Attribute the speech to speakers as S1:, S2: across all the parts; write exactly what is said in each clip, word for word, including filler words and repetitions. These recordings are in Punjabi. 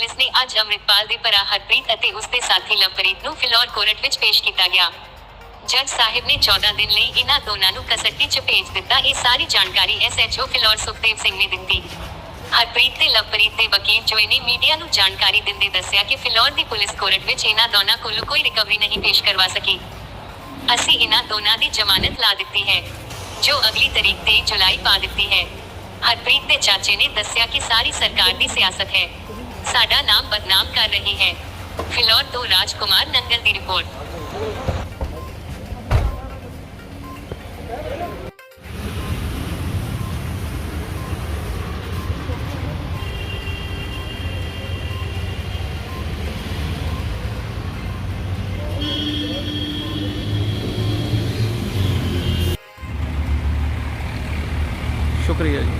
S1: पुलिस ने अज अमृतपाल दे भरा हरप्रीत अते उसके साथी लवप्रीत नूं फिलौर कोर्ट विच पेश कीता गया। जज साहिब ने चौदह दिन लई इन्हां दोनां नूं कस्टडी च भेज दित्ता। इह सारी जानकारी S H O Phillaur Sukhdev Singh ने दित्ती। हरप्रीत ते लवप्रीत दे वकील जोए ने मीडिया नूं जानकारी दिंदे दस्सिया कि फिलौर दी पुलिस कोर्ट विच इन्हां दोनां कोलों कोई रिकवरी नहीं पेश करवा सकी। असीं इन्हां दोनां दी जमानत ला दित्ती है, जो अगली तारीख तेईस जुलाई पा दित्ती है। हरप्रीत के चाचे ने दस्सिया कि सारी सरकार दी सियासत है, साडा नाम बदनाम कर रही है। फिलौर तो राजकुमार नंगल दी रिपोर्ट।
S2: शुक्रिया जी।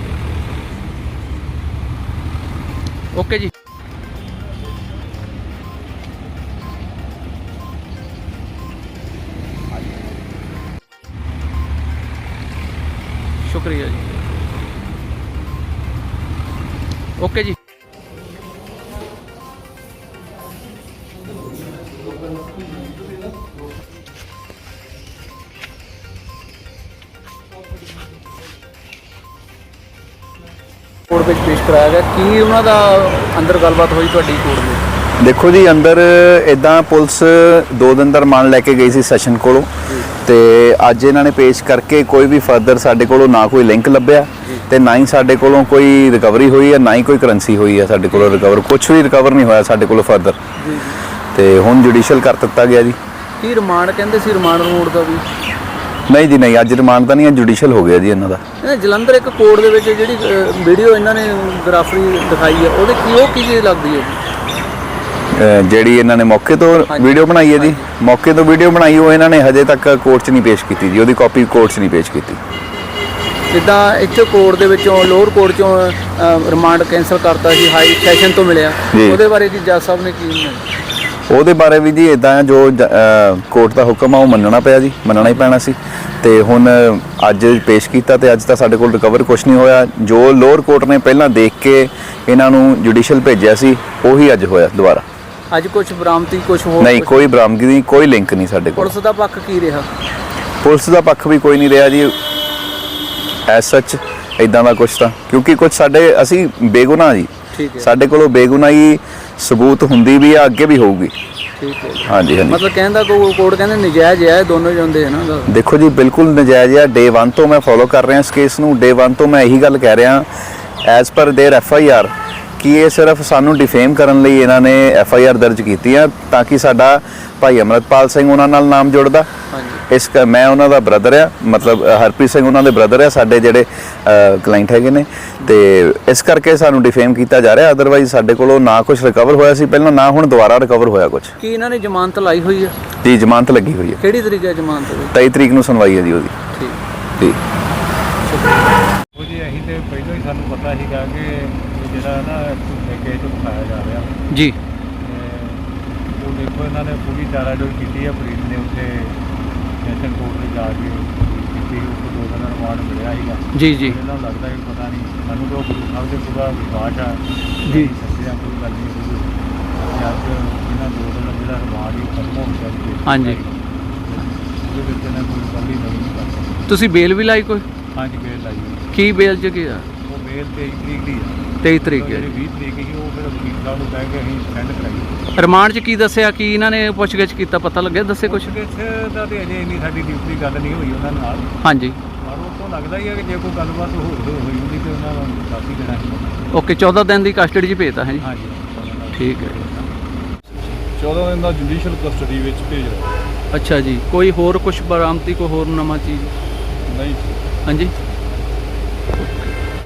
S2: ओके जी। शुक्रिया जी। ओके जी। कोर्ट में पेश कराया गया की उन्हों का अंदर गलबात हुई तुहाडी कोर्ट में?
S3: देखो जी अंदर इदा पुलिस दो दिन का रिमांड लैके गई सी सैशन कोलों ते अज इन्होंने पेश करके कोई भी फर्दर साडे कोलों ना कोई लिंक लभ्या ते ना ही साडे कोलों कोई रिकवरी हुई है, ना ही कोई करंसी हुई है। साडे कोलों रिकवर कुछ भी रिकवर नहीं होया साडे कोलों फर्दर ते हुण जुडिशियल कर दिता गया जी।
S2: की रिमांड कहंदे सी रिमांड रिमूड का भी
S3: नहीं जी नहीं, अज रिमांड तो नहीं, जुडिशियल हो गया जी इन्हों का।
S2: जलंधर एक कोर्ट दे विच जिहड़ी वीडियो इन्होंने ग्राफरी दिखाई है ਉਹਦੇ ਕੀ ਉਹ ਕੀ ਚੀਜ਼ ਲੱਗਦੀ ਹੈ ਜੀ?
S3: ਜਿਹੜੀ ਇਹਨਾਂ ਨੇ ਮੌਕੇ ਤੋਂ ਵੀਡੀਓ ਬਣਾਈ ਹੈ ਜੀ, ਮੌਕੇ ਤੋਂ ਵੀਡੀਓ ਬਣਾਈ ਉਹ ਇਹਨਾਂ ਨੇ ਹਜੇ ਤੱਕ ਕੋਰਟ 'ਚ ਨਹੀਂ ਪੇਸ਼ ਕੀਤੀ ਜੀ, ਉਹਦੀ ਕਾਪੀ ਕੋਰਟ 'ਚ ਨਹੀਂ ਪੇਸ਼ ਕੀਤੀ।
S2: ਜਿੱਦਾਂ ਇੱਥੇ ਕੋਰਟ ਦੇ ਵਿੱਚੋਂ ਲੋਅਰ ਕੋਰਟ 'ਚੋਂ ਰਿਮਾਂਡ ਕੈਂਸਲ ਕਰਤਾ ਸੀ, ਹਾਈ ਸੈਸ਼ਨ ਤੋਂ ਮਿਲਿਆ, ਉਹਦੇ ਬਾਰੇ ਕੀ ਜੱਜ ਸਾਹਿਬ ਨੇ ਕੀ?
S3: ਉਹਦੇ ਬਾਰੇ ਵੀ ਜੀ ਇਦਾਂ ਜੋ ਕੋਰਟ ਦਾ ਹੁਕਮ ਆ ਉਹ ਮੰਨਣਾ ਪਿਆ ਜੀ, ਮੰਨਣਾ ਹੀ ਪੈਣਾ ਸੀ ਤੇ ਹੁਣ ਅੱਜ ਪੇਸ਼ ਕੀਤਾ ਤੇ ਅੱਜ ਤਾਂ ਸਾਡੇ ਕੋਲ ਰਿਕਵਰ ਕੁਝ ਨਹੀਂ ਹੋਇਆ। ਜੋ ਲੋਅਰ ਕੋਰਟ ਨੇ ਪਹਿਲਾਂ ਦੇਖ ਕੇ ਇਹਨਾਂ ਨੂੰ ਜੁਡੀਸ਼ੀਅਲ ਭੇਜਿਆ ਸੀ ਉਹੀ ਅੱਜ ਹੋਇਆ ਦੁਬਾਰਾ।
S2: ਅੱਜ ਕੁਝ ਬਰਾਮਦੀ ਕੁਝ ਹੋਰ
S3: ਨਹੀਂ, ਕੋਈ ਬਰਾਮਦਗੀ ਨਹੀਂ, ਕੋਈ ਲਿੰਕ ਨਹੀਂ ਸਾਡੇ ਕੋਲ।
S2: ਪੁਲਿਸ ਦਾ ਪੱਖ ਕੀ ਰਿਹਾ?
S3: ਪੁਲਿਸ ਦਾ ਪੱਖ ਵੀ ਕੋਈ ਨਹੀਂ ਰਿਹਾ ਜੀ ਐਸ ਸੱਚ ਇਦਾਂ ਦਾ ਕੁਝ ਤਾਂ, ਕਿਉਂਕਿ ਕੁਝ ਸਾਡੇ ਅਸੀਂ ਬੇਗੁਨਾਹ ਜੀ, ਸਾਡੇ ਕੋਲੋਂ ਬੇਗੁਨਾਹੀ ਸਬੂਤ ਹੁੰਦੀ ਵੀ ਆ, ਅੱਗੇ ਵੀ ਹੋਊਗੀ।
S2: ਠੀਕ ਹੈ ਜੀ।
S3: ਹਾਂਜੀ ਹਾਂਜੀ,
S2: ਮਤਲਬ ਕਹਿੰਦਾ ਕੋਰਟ ਕਹਿੰਦੇ ਨਜਾਇਜ਼ ਹੈ ਦੋਨੋਂ ਜਾਂਦੇ ਹੈ ਨਾ?
S3: ਦੇਖੋ ਜੀ ਬਿਲਕੁਲ ਨਜਾਇਜ਼ ਹੈ। ਡੇ ਵਨ ਤੋਂ ਮੈਂ ਫੋਲੋ ਕਰ ਰਿਹਾ ਇਸ ਕੇਸ ਨੂੰ, ਡੇ ਵਨ ਤੋਂ ਮੈਂ ਇਹੀ ਗੱਲ ਕਹਿ ਰਿਹਾ as per there F I R ਕਿ ਇਹ ਸਿਰਫ ਸਾਨੂੰ ਡਿਫੇਮ ਕਰਨ ਲਈ ਇਹਨਾਂ ਨੇ ਐਫ ਆਈ ਆਰ ਦਰਜ ਕੀਤੀ ਹੈ ਤਾਂ ਕਿ ਸਾਡਾ ਭਾਈ ਅਮਰਤਪਾਲ ਸਿੰਘ ਉਹਨਾਂ ਨਾਲ ਨਾਮ ਜੁੜਦਾ। ਇਸ ਮੈਂ ਉਹਨਾਂ ਦਾ ਬ੍ਰਦਰ ਆ, ਮਤਲਬ ਹਰਪ੍ਰੀਤ ਸਿੰਘ ਉਹਨਾਂ ਦੇ ਬ੍ਰਦਰ ਆ, ਸਾਡੇ ਜਿਹੜੇ ਕਲਾਇੰਟ ਹੈਗੇ ਨੇ, ਤੇ ਇਸ ਕਰਕੇ ਸਾਨੂੰ ਡਿਫੇਮ ਕੀਤਾ ਜਾ ਰਿਹਾ। ਅਦਰਵਾਈਜ਼ ਸਾਡੇ ਕੋਲੋਂ ਨਾ ਕੁਝ ਰਿਕਵਰ ਹੋਇਆ ਸੀ ਪਹਿਲਾਂ, ਨਾ ਹੁਣ ਦੁਬਾਰਾ ਰਿਕਵਰ ਹੋਇਆ ਕੁਝ।
S2: ਕੀ ਇਹਨਾਂ ਨੇ ਜ਼ਮਾਨਤ ਲਾਈ ਹੋਈ ਹੈ?
S3: ਜੀ ਜ਼ਮਾਨਤ ਲੱਗੀ ਹੋਈ ਹੈ।
S2: ਕਿਹੜੀ ਤਰੀਕ ਹੈ ਜ਼ਮਾਨਤ ਦੀ?
S3: ਤੇਈ ਤਰੀਕ ਨੂੰ ਸੁਣਵਾਈ ਹੈ ਜੀ ਉਹਦੀ।
S2: ਠੀਕ
S3: ਜੀ
S4: ਉਹ ਜੀ ਅਸੀਂ ਤੇ ਪਹਿਲਾਂ ਹੀ ਸਾਨੂੰ ਪਤਾ ਸੀਗਾ ਕਿ ਜਿਹੜਾ ਨਾ ਕੇਸ ਉਠਾਇਆ ਜਾ ਰਿਹਾ
S2: ਜੀ।
S4: ਉਹ ਦੇਖੋ ਇਹਨਾਂ ਨੇ ਪੂਰੀ ਚਾਰਾਜੋਈ ਕੀਤੀ ਹੈ। ਪੁਲਿਸ ਨੇ ਉੱਥੇ ਸੈਸ਼ਨ ਕੋਰਟ ਵਿੱਚ ਜਾ ਕੇ ਕੀਤੀ, ਉਹ ਦੋ ਦਿਨ ਰਿਮਾਂਡ ਮਿਲਿਆ ਸੀਗਾ
S2: ਜੀ ਜੀ।
S4: ਇਹਨਾਂ ਨੂੰ ਲੱਗਦਾ ਕਿ ਪਤਾ ਨਹੀਂ, ਸਾਨੂੰ ਤਾਂ ਗੁਰੂ ਸਾਹਿਬ ਦੇ ਪੂਰਾ ਵਿਸ਼ਵਾਸ ਆ
S2: ਜੀ,
S4: ਸੱਚਿਆਂ ਕੋਈ ਗੱਲ ਨਹੀਂ ਹੋਊਗੀ। ਅਸੀਂ ਅੱਜ ਇਹਨਾਂ ਦੋ ਦਿਨ ਜਿਹੜਾ ਰਿਮਾਂਡ ਹੀ ਖਤਮ ਹੋ ਗਿਆ ਜੀ।
S2: ਹਾਂਜੀ,
S4: ਉਹਦੇ ਵਿੱਚ ਇਹਨਾਂ ਕੋਈ ਗੱਲ ਹੀ ਨਹੀਂ ਕਰ ਸਕਦੇ।
S2: ਤੁਸੀਂ ਬੇਲ ਵੀ ਲਾਈ ਕੋਈ?
S4: ਹਾਂਜੀ ਬੇਲ ਲਾਈ ਹੋਈ।
S2: ਕੀ ਬੇਲ 'ਚ ਕੀ ਆ?
S4: ਉਹ ਬੇਲ ਤੇਈ ਤਰੀਕ ਦੀ ਆ।
S2: ਤੇਈ ਤਰੀਕ ਹੈ।
S4: ਜਿਹੜੀ ਵੀਹ ਤਰੀਕ ਸੀ ਉਹ ਫਿਰ ਵਕੀਲ ਸਾਹਿਬ ਨੂੰ ਕਹਿ ਕੇ ਅਸੀਂ ਸੈਂਡ ਕਰਾਈ।
S2: ਰਿਮਾਂਡ 'ਚ ਕੀ ਦੱਸਿਆ? ਕੀ ਇਹਨਾਂ ਨੇ ਪੁੱਛਗਿੱਛ ਕੀਤਾ, ਪਤਾ ਲੱਗਿਆ? ਦੱਸੇ ਕੁਛ?
S4: ਪੁੱਛਗਿੱਛ ਦਾ ਤੇ ਅਜੇ ਇੰਨੀ ਸਾਡੀ ਡਿਊਟੀ ਗੱਲ ਨਹੀਂ ਹੋਈ ਉਹਨਾਂ ਨਾਲ।
S2: ਹਾਂਜੀ,
S4: ਪਰ ਉਹ ਤੋਂ ਲੱਗਦਾ ਹੀ ਹੈ ਕਿ ਜੇ ਕੋਈ ਗੱਲਬਾਤ ਹੋ ਹੋਈ ਹੁੰਦੀ ਤੇ ਉਹਨਾਂ ਨੂੰ ਦੱਸ ਹੀ ਦੇਣਾ ਸੀ।
S2: ਓਕੇ, ਚੌਦਾਂ ਦਿਨ ਦੀ ਕਸਟਡੀ 'ਚ ਭੇਜਤਾ ਹੈ ਜੀ?
S4: ਹਾਂਜੀ
S2: ਠੀਕ ਹੈ।
S5: ਚੌਦਾਂ ਦਿਨ ਦਾ ਜੁਡੀਸ਼ੀਅਲ ਕਸਟਡੀ ਵਿੱਚ ਭੇਜ ਰਿਹਾ।
S2: ਅੱਛਾ ਜੀ। ਕੋਈ ਹੋਰ ਕੁਝ ਬਰਾਮਦੀ, ਕੋਈ ਹੋਰ ਨਵਾਂ ਚੀਜ਼?
S5: ਨਹੀਂ।
S2: ਹਾਂਜੀ।